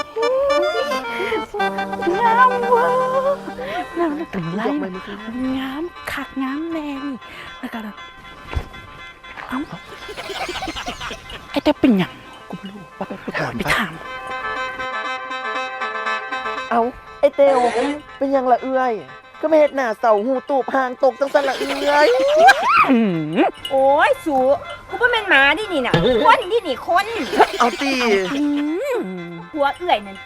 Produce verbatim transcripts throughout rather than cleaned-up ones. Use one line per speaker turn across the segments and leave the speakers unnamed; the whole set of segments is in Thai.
งามเวอร์งามกำไรงามคักงามแรงแล้วก็เอ้าไอ้เต้เป็นหยังกูไม่รู้ว่าไปถามไปถาม
เอาไอเตวเป็นยังละเอื้อยก็ไม่เห็นหน้าเสาหูตูบหางตกจังสันละเอื้อย
โอ้ยสูกูเป็นแม่นหมาดินี่น่ะคนดินี่คน
เอาตี
หัวเอื่อยนั่นติ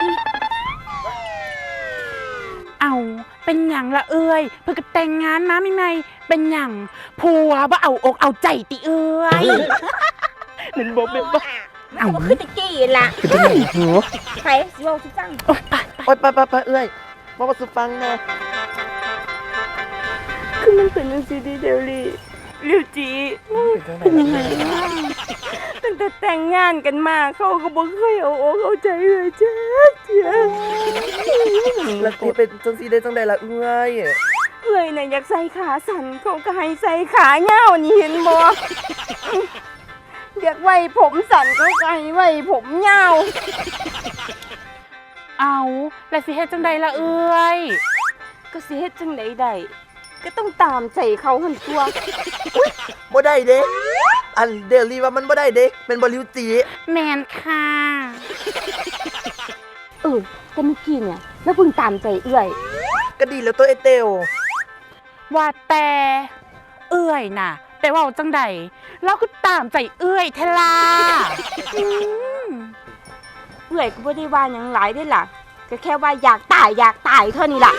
เอาเป็นหยังละเอ้ยเพื่อก็แต่งงานมาไม่ไม่เป็นหยังผัวว่าเอาอกเอาใจติเอ้ยนั่นบอกเป็นบ่
เอาก็คือตะกี้ล่ะ
คือจะไหนหัว
ไปสิเว้าสิฟัง
โอ๊ยไป
โอ๊ยไปไปไปเอื้อยมาประสุฟังนะ
คือมันเป็นจังซี่ดิเดลลี่ลิวจี
เป็นยังไงล่ะ
ตั้งแต่แต่งงานกันมาเขาก็บ่เคยเอาอกเอาใจเลยจ้าเจ้า
แล้วตีเป็นจังสีได้จังใดละเอื้อย
เอ้ยน่ะอยากใส่ขาสั้นเขาก็ให้ใส่ขายาวนี่เห็นบ่อยากไว้ผมสั้นเขาก็ให้ไว้ผมยาว
เอาแล้วสิเฮ็ดจังใดละเอ้ย
ก็สิเฮ็ดจังไดได้ก็ต้องตามใจเขาหั่นตัว
บ่ได้เด้อันเดลี่ว่ามันบ่ได้เด้เป็นบ่ริวจี
แมนค่ะ
เออแต่เมื่อกี้เนี่ยแล้วเพิ่งตามใจเอื้อย
ก็ดีแล้วตัวไอเตว
ว่าแต่เอ้ยน่ะแต่ว่าจังใดเราก็ตามใจเอ้ยเทล่าอืม
เอื้อยก็บ่ได้ว่าหยังหลายเด้ล่ะก็แค่ว่าอยากตายอยากตายเท่านี้ล่ะ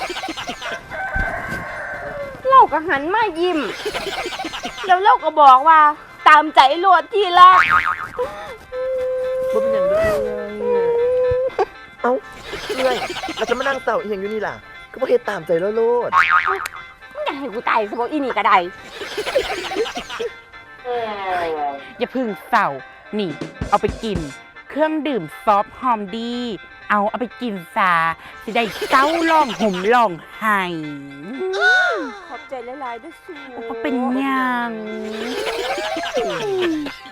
เราก็หันมายิ้มแล้วเราก็บอกว่าตามใจโลดที่รัก
บ่เป็นหยังเด้อเอื้อยเอ้าเอื้อยเราจะมานั่งเศร้าอีหยังอยู่นี่ล่ะก็บ่เฮ็ดตามใจแล้วโลด
มึงอยากให้กูตายซะบ่อีนี่ก็ได้
อย่าพึ่งเศร้านี่ เอาไปกิน เครื่องดื่มซอฟต์หอมดี เอาเอาไปกินซาสิได้เศร้าล่องห่มล่องไห้
ขอบใจหลายๆด้วยสู
ก็เป็นหยัง